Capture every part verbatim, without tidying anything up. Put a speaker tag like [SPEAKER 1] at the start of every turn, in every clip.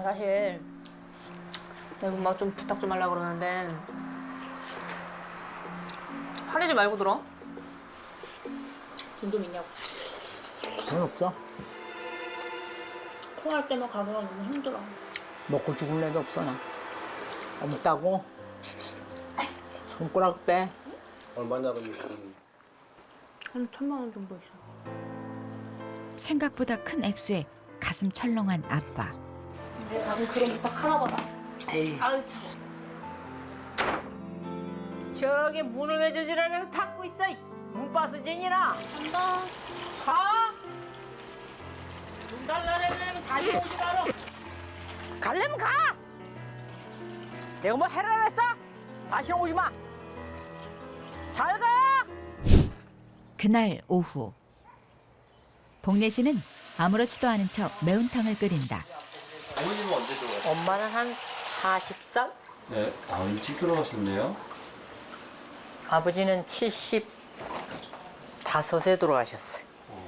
[SPEAKER 1] 엄마 사실 내가 엄마 좀 부탁 좀 하려고 그러는데 화내지 말고 들어. 돈 좀 있냐고.
[SPEAKER 2] 돈 없어.
[SPEAKER 1] 통화할 때만 가기가 너무 힘들어.
[SPEAKER 2] 먹고 죽을 애도 없어 나. 없다고? 손가락 빼.
[SPEAKER 3] 얼마나 걸리지?
[SPEAKER 1] 한 천만 원 정도 있어.
[SPEAKER 4] 생각보다 큰 액수에 가슴 철렁한 아빠.
[SPEAKER 1] 내 가슴 그런 부탁 하나 받아.
[SPEAKER 2] 에이.
[SPEAKER 1] 아유 참.
[SPEAKER 2] 저기 문을 왜 저지랄하고 닫고 있어? 문바스쟁이나.
[SPEAKER 1] 간다.
[SPEAKER 2] 가. 문 달라내면 다시 오지 마라. 갈래면 가. 내가 뭐 해라 했어? 다시 오지 마. 잘 가.
[SPEAKER 4] 그날 오후 복례 씨는 아무렇지도 않은 척 매운탕을 끓인다.
[SPEAKER 3] 어머님은 언제 들어가요?
[SPEAKER 2] 엄마는 한 사십 살?
[SPEAKER 3] 네, 아 일찍 돌아가셨네요.
[SPEAKER 2] 아버지는 칠십오에 돌아가셨어요.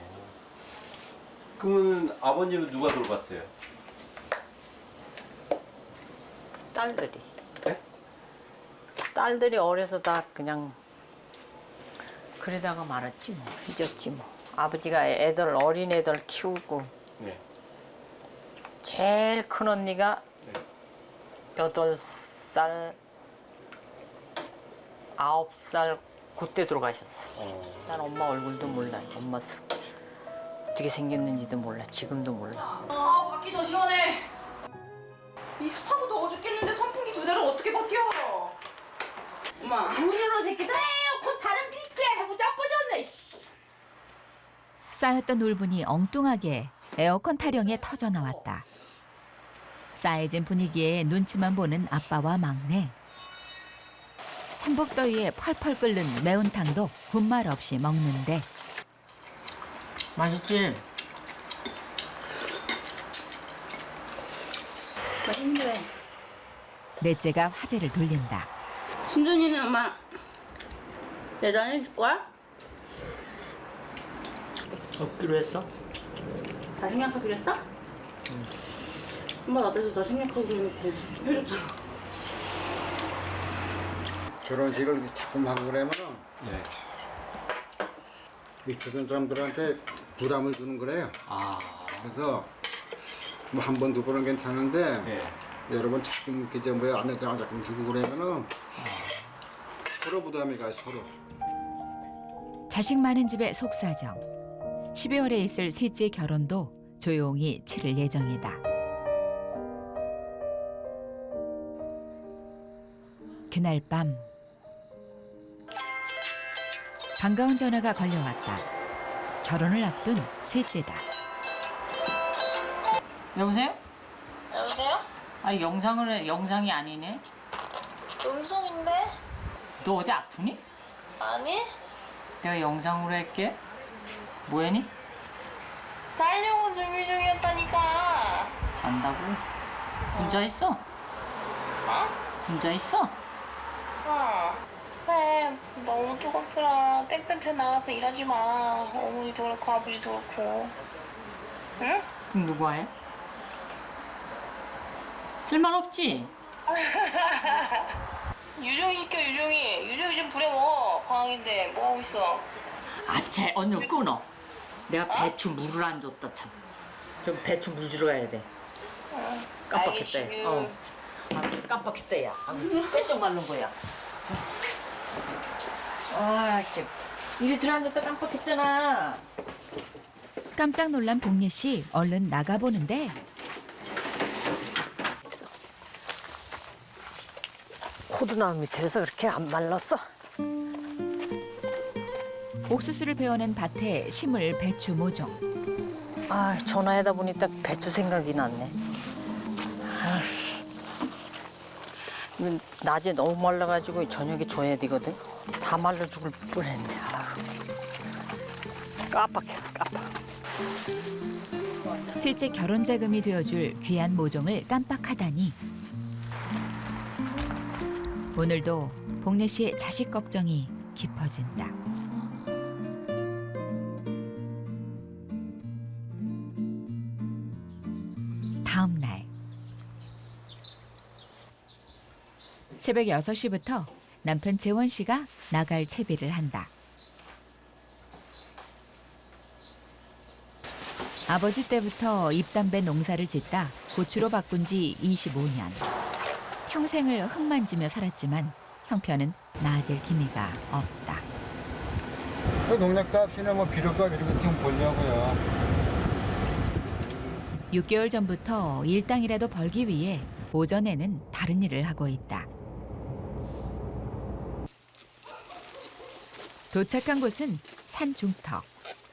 [SPEAKER 3] 그러면 아버님은 누가 돌봤어요?
[SPEAKER 2] 딸들이.
[SPEAKER 3] 네?
[SPEAKER 2] 딸들이 어려서 다 그냥 그러다가 말았지 뭐. 잊었지 뭐. 아버지가 애들 어린 애들 키우고
[SPEAKER 3] 네.
[SPEAKER 2] 제일 큰 언니가
[SPEAKER 3] 네.
[SPEAKER 2] 여덟 살, 아홉 살 그때 돌아가셨어.
[SPEAKER 3] 어.
[SPEAKER 2] 난 엄마 얼굴도 몰라. 엄마 스- 어떻게 생겼는지도 몰라. 지금도 몰라.
[SPEAKER 5] 아 밖이 더 시원해. 이 습하고 더워 죽겠는데 선풍기 두 대를 어떻게 버텨? 엄마.
[SPEAKER 2] 문으로 새끼들 에어컨 다른 빛에 하고 자빠졌네.
[SPEAKER 4] 쌓였던 울분이 엉뚱하게 에어컨 타령에 터져 나왔다. 싸해진 분위기에 눈치만 보는 아빠와 막내. 삼복더위에 펄펄 끓는 매운탕도 군말 없이 먹는데
[SPEAKER 2] 맛있지?
[SPEAKER 5] 맛있는데.
[SPEAKER 4] 넷째가 화제를 돌린다.
[SPEAKER 5] 순준이는 엄마 대단해 줄 거야?
[SPEAKER 2] 없기로 했어?
[SPEAKER 5] 다 생략하기로 했어? 엄마 나한테도 다 생략하기로 해놓고 해줬잖아.
[SPEAKER 6] 결혼식을 자꾸 하고 그러면은
[SPEAKER 3] 네.
[SPEAKER 6] 이 주변 사람들한테 부담을 주는 거래요.
[SPEAKER 3] 아.
[SPEAKER 6] 그래서 뭐 한 번 두 번은 괜찮은데
[SPEAKER 3] 네.
[SPEAKER 6] 여러 번 자꾸 이제 뭐 안에다가 자꾸 주고 그러면은 서로 부담이 가요 서로.
[SPEAKER 4] 자식 많은 집의 속사정. 십이월에 있을 셋째 결혼도 조용히 치를 예정이다. 그날 밤 반가운 전화가 걸려왔다. 결혼을 앞둔 셋째다.
[SPEAKER 2] 여보세요?
[SPEAKER 7] 여보세요?
[SPEAKER 2] 아 영상을 해. 영상이 아니네.
[SPEAKER 7] 음성인데?
[SPEAKER 2] 너 어디 아프니?
[SPEAKER 7] 아니?
[SPEAKER 2] 내가 영상으로 할게. 뭐해니?
[SPEAKER 7] 자려고 준비 중이었다니까.
[SPEAKER 2] 잔다고? 혼자 있어?
[SPEAKER 7] 어?
[SPEAKER 2] 혼자 있어?
[SPEAKER 7] 어. 그래, 너무 뜨겁더라. 땡볕에 나가서 일하지 마. 어머니도 그렇고 아버지도 그렇고. 응?
[SPEAKER 2] 그럼 누가 해? 할 말 없지?
[SPEAKER 7] 유종이 시켜, 유종이. 유종이 좀 부려먹어. 방학인데 뭐 하고 있어?
[SPEAKER 2] 아차 언니 끊어. 내가 배추 물을 안 줬다 참. 저 배추 물 주러 가야 돼. 깜빡했다.
[SPEAKER 7] 알겠지.
[SPEAKER 2] 어. 아, 깜빡했다 야. 아, 빼쩍 마른 거야. 아, 진짜. 이리 들어앉았다 깜빡했잖아.
[SPEAKER 4] 깜짝 놀란 복례 씨 얼른 나가보는데
[SPEAKER 2] 코드나무 밑에서 그렇게 안 말랐어?
[SPEAKER 4] 옥수수를 베어낸 밭에 심을 배추 모종.
[SPEAKER 2] 아, 전화하다 보니 딱 배추 생각이 났네. 아휴. 이건 낮에 너무 말라가지고 저녁에 줘야 되거든. 다 말라 죽을 뻔했네. 아휴. 깜빡했어, 깜빡.
[SPEAKER 4] 셋째 결혼 자금이 되어줄 귀한 모종을 깜빡하다니. 오늘도 복례 씨의 자식 걱정이 깊어진다. 다음 날 새벽 여섯 시부터 남편 재원 씨가 나갈 채비를 한다. 아버지 때부터 잎담배 농사를 짓다 고추로 바꾼 지 이십오 년. 평생을 흙 만지며 살았지만 형편은 나아질 기미가 없다.
[SPEAKER 6] 그 농약값이나 뭐 비료값 이런 거 좀 보려고요.
[SPEAKER 4] 육 개월 전부터 일당이라도 벌기 위해 오전에는 다른 일을 하고 있다. 도착한 곳은 산 중턱.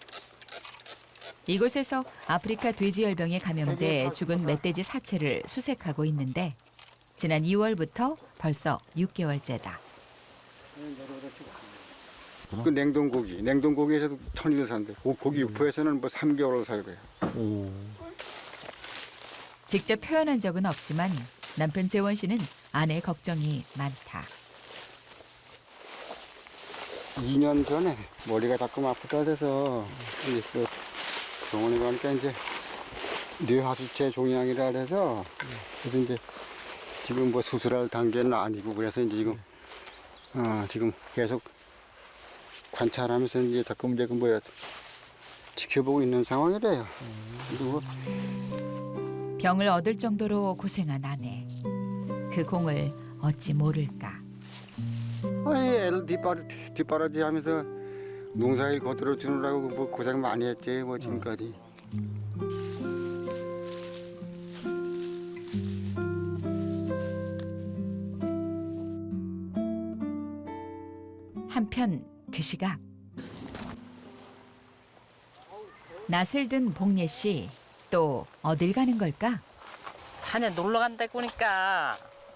[SPEAKER 4] 이곳에서 아프리카 돼지열병에 감염돼 죽은 멧돼지 사체를 수색하고 있는데 지난 이월부터 벌써 육 개월째다.
[SPEAKER 6] 그 냉동고기, 냉동고기에서도 천일 산대. 고- 고기 육포에서는 뭐 삼 개월을 살고요.
[SPEAKER 4] 직접 표현한 적은 없지만 남편 재원 씨는 아내의 걱정이 많다.
[SPEAKER 6] 이 년 전에 머리가 자꾸 아프다 돼서 이제 그 병원에 가니까 이제 뇌하수체 종양이라 해서 그래서 이제 지금 뭐 수술할 단계는 아니고 그래서 이제 지금 어 지금 계속 관찰하면서 이제 자꾸 이제 그 뭐야 지켜보고 있는 상황이래요. 그리고
[SPEAKER 4] 병을 얻을 정도로 고생한 아내. 그 공을 어찌 모를까.
[SPEAKER 6] 아이 애를 뒷바라, 뒷바라지 하면서 농사일 거들어 주느라고 뭐 고생 많이 했지 뭐 지금까지.
[SPEAKER 4] 한편 그 시각 낯을 든 복례 씨 또 어딜 가는 걸까?
[SPEAKER 2] 산에 놀러 간다고 보니까.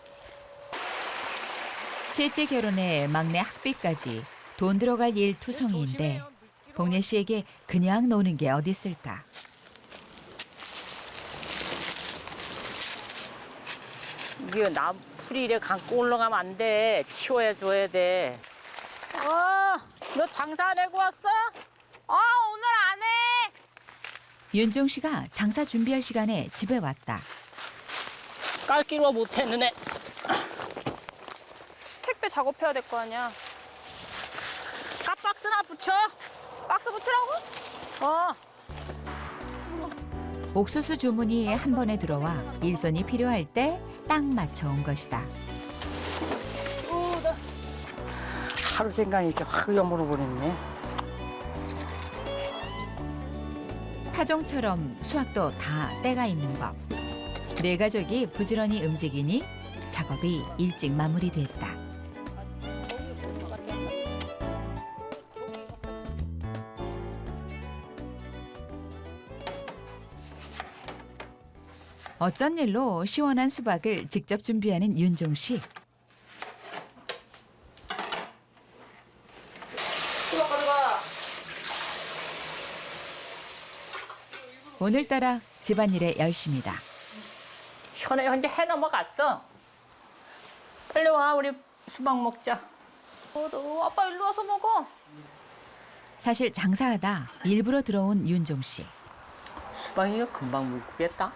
[SPEAKER 4] 셋째 결혼에 막내 학비까지 돈 들어갈 일 투성이인데 복례 씨에게 그냥 노는 게 어디 있을까?
[SPEAKER 2] 이게 나 풀이 이래 감고 올라가면 안 돼. 치워야 줘야 돼. 어, 너 장사 안 하고 왔어?
[SPEAKER 1] 아 오늘 안 해.
[SPEAKER 4] 윤종 씨가 장사 준비할 시간에 집에 왔다.
[SPEAKER 2] 깔기로 못했느네.
[SPEAKER 1] 택배 작업해야 될 거 아니야.
[SPEAKER 2] 깍박스나 붙여.
[SPEAKER 1] 박스 붙이라고?
[SPEAKER 2] 어.
[SPEAKER 4] 옥수수 주문이 한 번에 들어와 일손이 필요할 때 딱 맞춰 온 것이다.
[SPEAKER 2] 어, 나 하루 생각이 이렇게 확 여물어 버렸네.
[SPEAKER 4] 타종처럼 수확도 다 때가 있는 법. 네 가족이 부지런히 움직이니 작업이 일찍 마무리됐다. 어쩐 일로 시원한 수박을 직접 준비하는 윤종 씨.
[SPEAKER 1] 수박 가져가.
[SPEAKER 4] 오늘따라 집안일에 열심이다.
[SPEAKER 2] 시원해 현재 해 넘어갔어. 빨리 와 우리 수박 먹자.
[SPEAKER 1] 어, 너 아빠 일로 와서 먹어.
[SPEAKER 4] 사실 장사하다 일부러 들어온 윤종 씨.
[SPEAKER 2] 수박이가 금방 물고겠다.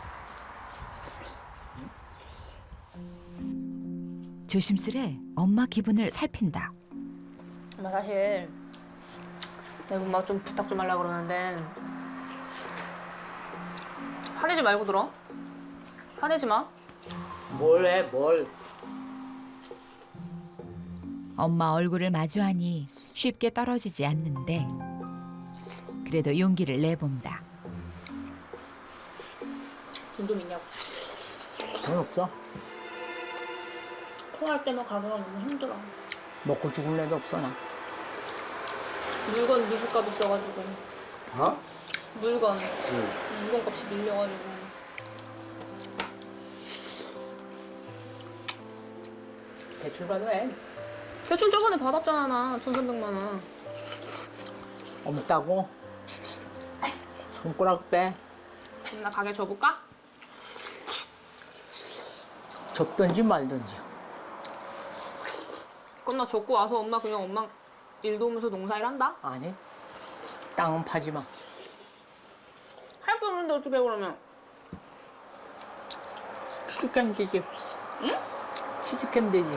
[SPEAKER 4] 조심스레 엄마 기분을 살핀다.
[SPEAKER 1] 엄마 사실 내가 엄마 좀 부탁 좀 하려고 그러는데 화내지 말고 들어. 화내지 마.
[SPEAKER 2] 뭘 해, 뭘.
[SPEAKER 4] 엄마 얼굴을 마주하니 쉽게 떨어지지 않는데 그래도 용기를 내본다.
[SPEAKER 1] 돈 좀 있냐고.
[SPEAKER 2] 돈 없어.
[SPEAKER 1] 통할 때만 가져가 너무 힘들어.
[SPEAKER 2] 먹고 죽을 애도 없어 나.
[SPEAKER 1] 물건 미술값 있어가지고.
[SPEAKER 6] 어?
[SPEAKER 1] 물건. 물건 값이 밀려가지고.
[SPEAKER 2] 대출 받아야
[SPEAKER 1] 대출 저번에 받았잖아 나 천삼백만 원.
[SPEAKER 2] 없다고? 손가락 빼.
[SPEAKER 1] 그럼 나 가게 줘볼까?
[SPEAKER 2] 접든지 말든지.
[SPEAKER 1] 그럼 나 접고 와서 엄마 그냥 엄마 일 도우면서 농사일 한다?
[SPEAKER 2] 아니, 땅은 파지 마.
[SPEAKER 1] 할 게 없는데 어떻게 그러면?
[SPEAKER 2] 죽겠지.
[SPEAKER 1] 응?
[SPEAKER 2] 취직하면 되지.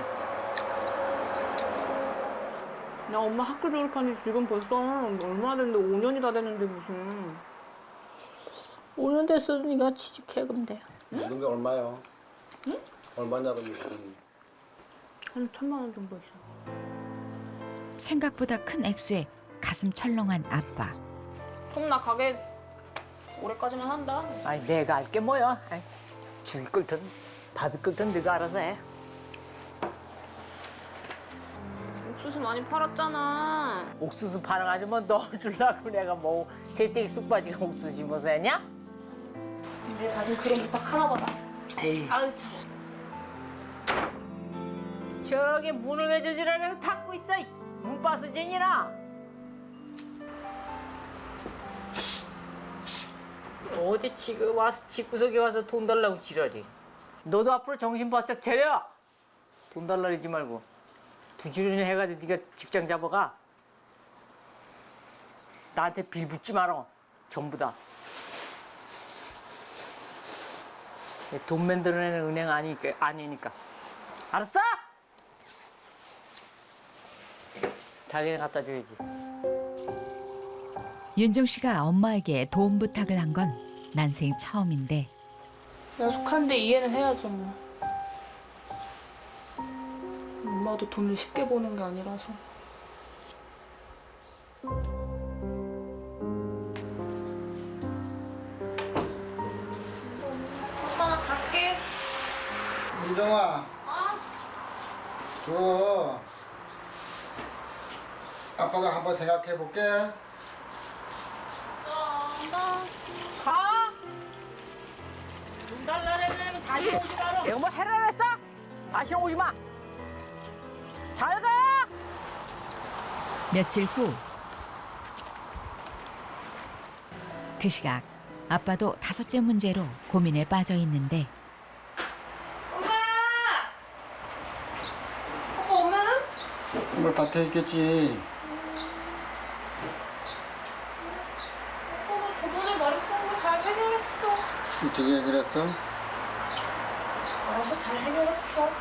[SPEAKER 1] 나 엄마 학교 졸업한 지 지금 벌써 얼마 됐는데 오 년이 다 됐는데 무슨.
[SPEAKER 2] 오 년 됐어. 네가 취직해 그럼 돼.
[SPEAKER 6] 이런 게 얼마요? 응? 얼마냐고
[SPEAKER 1] 한 천만 원 정도 있어.
[SPEAKER 4] 생각보다 큰 액수에 가슴 철렁한 아빠.
[SPEAKER 1] 그럼 나 가게 올해까지만 한다.
[SPEAKER 2] 아니 내가 할 게 뭐야. 아이, 죽이 끓든 밥이 끓든 네가 알아서 해.
[SPEAKER 1] 옥수수 많이 팔았잖아.
[SPEAKER 2] 옥수수 파는 뭐 넣어주려고 내가 뭐 새떼기 쑥 빠지고 옥수수 심어서 했냐?
[SPEAKER 1] 내가 다시 그런 부탁 하나 봐라.
[SPEAKER 2] 에이.
[SPEAKER 1] 아유 참.
[SPEAKER 2] 저기 문을 왜 저지랄하고 닫고 있어? 이 문바스쟁이나. 어디 지금 와서 집구석에 와서 돈 달라고 지랄이. 너도 앞으로 정신 바짝 차려. 돈 달라 그러지 말고. 부지런히 해가지고 네가 직장 잡아가. 나한테 빌붙지 마라. 전부 다. 돈 만들어내는 은행 아니니까. 아니니까. 알았어? 당연히 갖다 줘야지.
[SPEAKER 4] 윤종 씨가 엄마에게 도움 부탁을 한 건 난생 처음인데
[SPEAKER 1] 야속한데 이해는 해야죠 뭐. 엄마도 돈을 쉽게 버는 게 아니라서. 엄마 나 갈게.
[SPEAKER 6] 윤정아. 그 아빠가 한번 생각해 볼게.
[SPEAKER 2] 가! 돈 달라면 다시 오지 마라. 내가 뭐 해라 했어? 다시 오지 마. 잘 가!
[SPEAKER 4] 며칠 후 그 시각 아빠도 다섯째 문제로 고민에 빠져 있는데
[SPEAKER 1] 엄마! 오빠 엄마는?
[SPEAKER 6] 뭐 밭에 있겠지.
[SPEAKER 1] 오빠가 저번에 말했던 거 잘 해결했어.
[SPEAKER 6] 이쪽에 해결했어?
[SPEAKER 1] 알아서 잘 해결했어.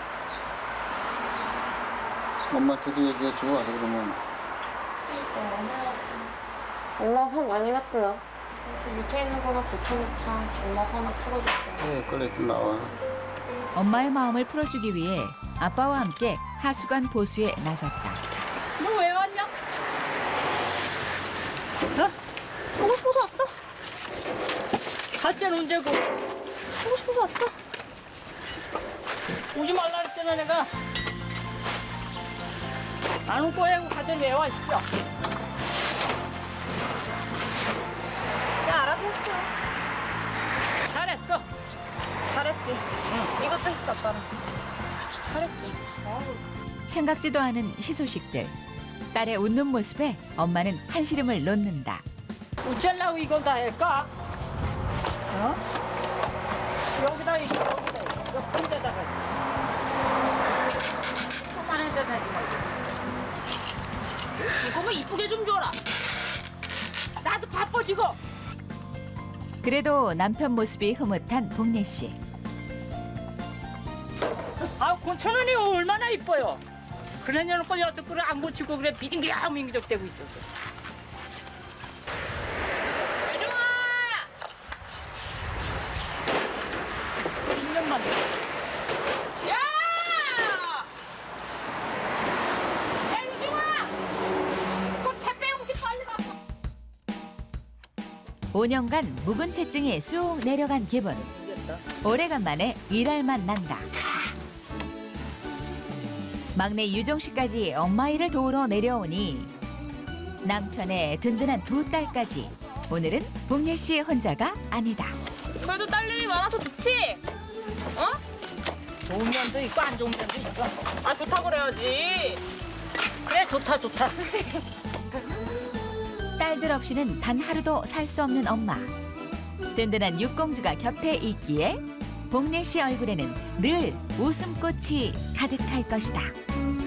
[SPEAKER 6] 엄마한테도 얘기해줘. 와서 그러면.
[SPEAKER 1] 엄마 화 많이 났고요. 저 밑에 있는 거나 고쳐놓자. 엄마 화나 풀어줄게.
[SPEAKER 6] 네, 그래, 나와.
[SPEAKER 4] 엄마의 마음을 풀어주기 위해 아빠와 함께 하수관 보수에 나섰다.
[SPEAKER 2] 너 왜 왔냐? 어?
[SPEAKER 1] 보고 싶어서 왔어.
[SPEAKER 2] 갈 때는 언제고?
[SPEAKER 1] 보고 싶어서 왔어.
[SPEAKER 2] 오지 말라 했잖아 내가. 안 올 거야 하고 가더니 왜 와, 싶어.
[SPEAKER 1] 야 알아서 했어.
[SPEAKER 2] 잘했어.
[SPEAKER 1] 잘했지. 응. 이것도 했어 아빠랑. 잘했지.
[SPEAKER 4] 생각지도 않은 희소식들. 딸의 웃는 모습에 엄마는 한시름을 놓는다.
[SPEAKER 2] 어쩌려고 이걸 다 할까? 어? 여기다 이거 여기다 이거 혼자다가 조그만한 데다 하지 말고. 이거면 이쁘게 좀 줘라. 나도 바빠지고.
[SPEAKER 4] 그래도 남편 모습이 흐뭇한 복례 씨.
[SPEAKER 2] 아, 고천원이 얼마나 이뻐요. 그러냐놓고 여섯 그릇 안 고치고 그래 비징비양 민기적대고 있었어. 유정아! 일 년만 더. 야! 야, 유정아! 그 택배 용지 빨리 갖고.
[SPEAKER 4] 오 년간 묵은 채증이 쑥 내려간 기분. 오래간만에 일할 맛 난다. 막내 유정 씨까지 엄마 일을 도우러 내려오니 남편의 든든한 두 딸까지. 오늘은 복례 씨 혼자가 아니다.
[SPEAKER 1] 그래도 딸님이 많아서 좋지? 어?
[SPEAKER 2] 좋은 면도 있고 안 좋은 면도 있어.
[SPEAKER 1] 아 좋다 그래야지.
[SPEAKER 2] 그래, 좋다, 좋다.
[SPEAKER 4] 딸들 없이는 단 하루도 살 수 없는 엄마. 든든한 육공주가 곁에 있기에 복례 씨 얼굴에는 늘 웃음꽃이 가득할 것이다.